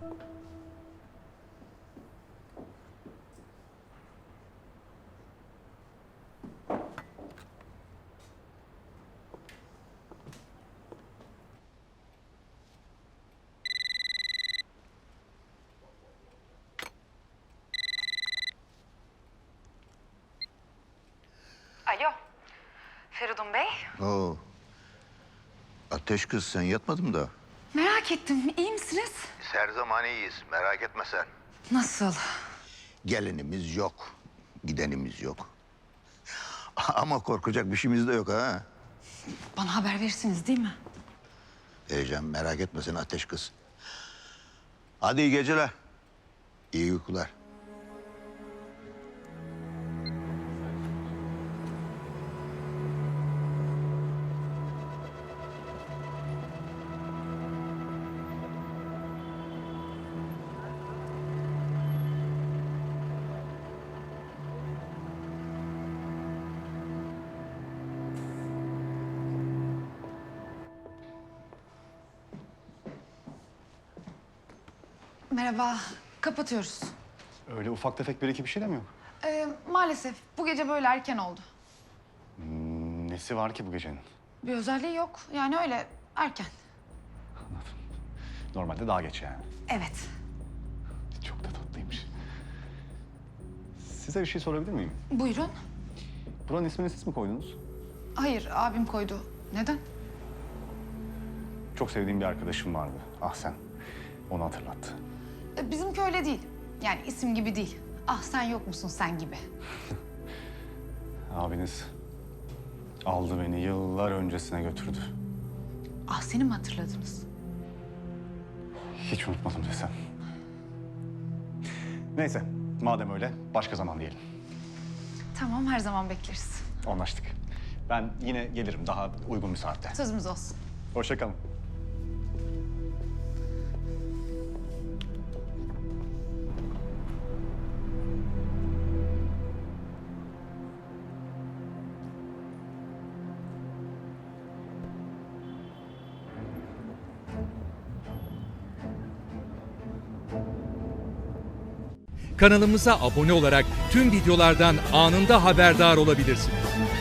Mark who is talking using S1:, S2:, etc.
S1: Alo, Feridun Bey.
S2: Oo. Ateş kız, sen yatmadın mı daha?
S1: Merak ettim, iyi misiniz?
S2: Biz her zaman iyiyiz, merak etme sen.
S1: Nasıl?
S2: Gelenimiz yok, gidenimiz yok. Ama korkacak bir şeyimiz de yok ha.
S1: Bana haber verirsiniz değil mi?
S2: Heyecan, merak etme sen Ateş kız. Hadi iyi geceler. İyi uykular.
S1: Merhaba, kapatıyoruz.
S3: Öyle ufak tefek bir iki bir şey de mi yok?
S1: Maalesef bu gece böyle erken oldu.
S3: Nesi var ki bu gecenin?
S1: Bir özelliği yok, yani öyle erken.
S3: Normalde daha geç yani.
S1: Evet.
S3: Çok da tatlıymış. Size bir şey sorabilir miyim?
S1: Buyurun.
S3: Buranın ismini siz mi koydunuz?
S1: Hayır, abim koydu. Neden?
S3: Çok sevdiğim bir arkadaşım vardı. Ah sen. Onu hatırlattı.
S1: Bizimki öyle değil. Yani isim gibi değil. Ah sen yok musun sen gibi.
S3: Abiniz aldı beni yıllar öncesine götürdü.
S1: Ah seni mi hatırladınız?
S3: Hiç unutmadım desem. Neyse, madem öyle başka zaman diyelim.
S1: Tamam, her zaman bekleriz.
S3: Anlaştık. Ben yine gelirim daha uygun bir saatte.
S1: Sözümüz olsun.
S3: Hoşça kalın.
S4: Kanalımıza abone olarak tüm videolardan anında haberdar olabilirsiniz.